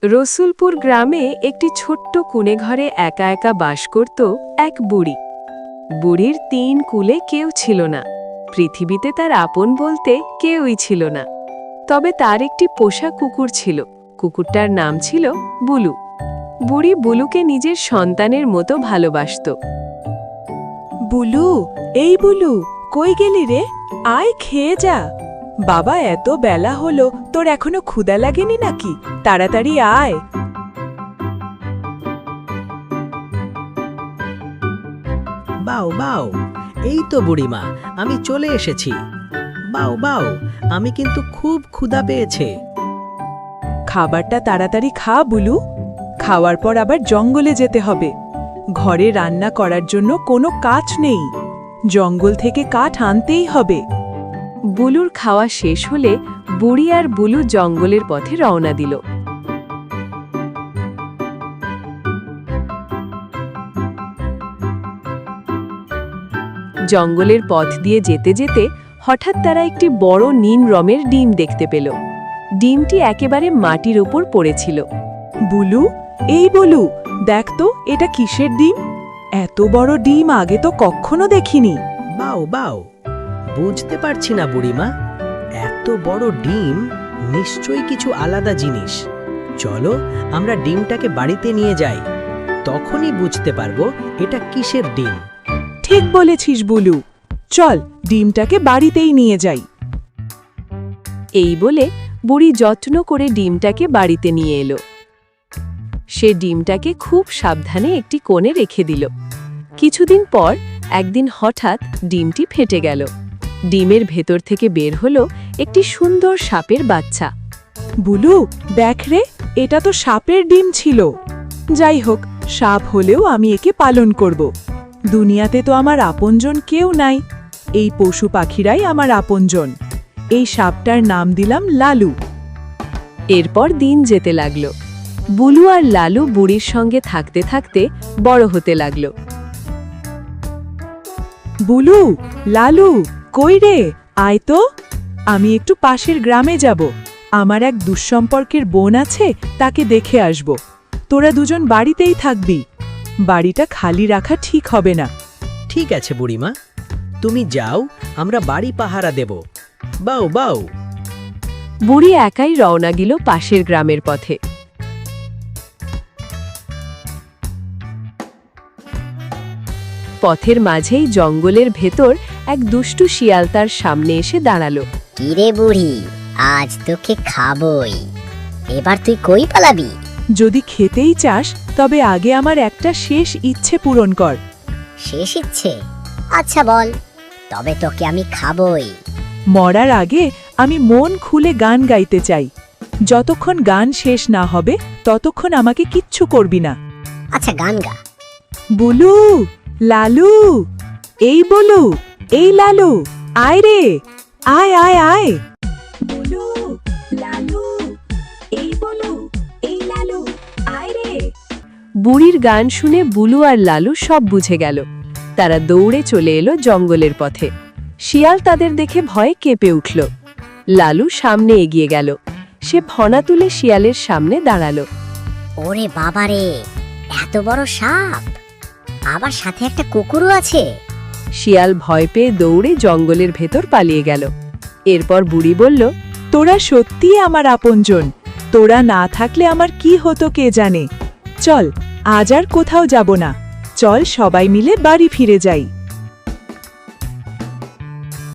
রসুলপুর গ্রামে একটি ছোট্ট কুঁড়ে ঘরে একা একা বাস করত এক বুড়ি। বুড়ির ৩ কুলে কেউ ছিল না। পৃথিবীতে তার আপন বলতে কেউই ছিল না। তবে তার একটি পোষা কুকুর ছিল। কুকুরটার নাম ছিল বুলু। বুড়ি বুলুকে নিজের সন্তানের মতো ভালোবাসত। বুলু, এই বুলু, কই গেলি রে? আয় খেয়ে যা। বাবা, এত বেলা হলো, তোর এখনো ক্ষুধা লাগেনি নাকি? তাড়াতাড়ি আয়। বাও বাও, এই তো বুড়িমা, আমি চলে এসেছি। বাও বাও, আমি কিন্তু খুব ক্ষুধা পেয়েছে। খাবারটা তাড়াতাড়ি খা বুলু। খাওয়ার পর আবার জঙ্গলে যেতে হবে। ঘরে রান্না করার জন্য কোনো কাঠ নেই। জঙ্গল থেকে কাঠ আনতেই হবে। বুলুর খাওয়া শেষ হলে বুড়ি আর বুলু জঙ্গলের পথে রওনা দিল। জঙ্গলের পথ দিয়ে যেতে যেতে হঠাৎ তারা একটি বড় নীল রঙের ডিম দেখতে পেল। ডিমটি একেবারে মাটির উপর পড়েছিল। বুলু, এই বুলু, দেখ তো এটা কিসের ডিম? এত বড় ডিম আগে তো কখনো দেখিনি। বাও বাও, বুঝতে পারছি না বুড়িমা। এত বড় ডিম নিশ্চয়ই কিছু আলাদা জিনিস। চলো আমরা ডিমটাকে বাড়িতে নিয়ে যাই, তখনই বুঝতে পারবো এটা কিসের ডিম। ঠিক বলেছিস বুলু, চল ডিমটাকে বাড়িতেই নিয়ে যাই। এই বলে বুড়ি যত্ন করে ডিমটাকে বাড়িতে নিয়ে এলো। সে ডিমটাকে খুব সাবধানে একটি কোণে রেখে দিল। কিছুদিন পর একদিন হঠাৎ ডিমটি ফেটে গেল। ডিমের ভেতর থেকে বের হলো একটি সুন্দর সাপের বাচ্চা। বুলু, দেখ রে, এটা তো সাপের ডিম ছিল। যাই হোক, সাপ হলেও আমি একে পালন করব। দুনিয়াতে তো আমার আপনজন কেউ নাই। এই পশু পাখিরাই আমার আপনজন। এই সাপটার নাম দিলাম লালু। এরপর দিন যেতে লাগলো। বুলু আর লালু বুড়ির সঙ্গে থাকতে থাকতে বড় হতে লাগলো। বুলু, লালু, কই রে? আয় তো। আমি একটু পাশের গ্রামে যাব। আমার এক দুঃসম্পর্কের বোন আছে, তাকে দেখে আসব। তোরা দুজন বাড়িতেই থাকবি। বাড়িটা খালি রাখা ঠিক হবে না। ঠিক আছে বুড়িমা, তুমি যাও, আমরা বাড়ি পাহারা দেব। বাও বাও। বুড়ি একাই রওনা দিল পাশের গ্রামের পথে। পথের মাঝেই জঙ্গলের ভেতর এক দুষ্টু শিয়াল তার সামনে এসে দাঁড়ালো। কিরে বুড়ি, আজ তোকে খাবই। এবার তুই কই পালাবি? যদি খেতেই চাস, তবে আগে আমার একটা শেষ ইচ্ছে পূরণ কর। শেষ ইচ্ছে? আচ্ছা বল, তবে তোকে আমি খাবই। মরার আগে আমি মন খুলে গান গাইতে চাই। যতক্ষণ গান শেষ না হবে ততক্ষণ আমাকে কিচ্ছু করবি না। আচ্ছা, গান গা। বুলু, লালু, এই বুলু, এই লালু, আয় রে, আয় আয় আয়। বুলু, লালু, এই বুলু, এই লালু, আয় রে। বুড়ির গান শুনে বুলু আর লালু সব বুঝে গেল। তারা দৌড়ে চলে এলো জঙ্গলের পথে। শিয়াল তাদের দেখে ভয়ে কেঁপে উঠল। লালু সামনে এগিয়ে গেল। সে ফনা তুলে শিয়ালের সামনে দাঁড়ালো। ওরে বাবারে, এত বড় সাপ! আবার সাথে একটা কুকুরও আছে। শিয়াল ভয় পেয়ে দৌড়ে জঙ্গলের ভেতর পালিয়ে গেল। এরপর বুড়ি বলল, তোরা সত্যিই আমার আপনজন। তোরা না থাকলে আমার কি হতো কে জানে। চল, আজ আর কোথাও যাব না। চল সবাই মিলে বাড়ি ফিরে যাই।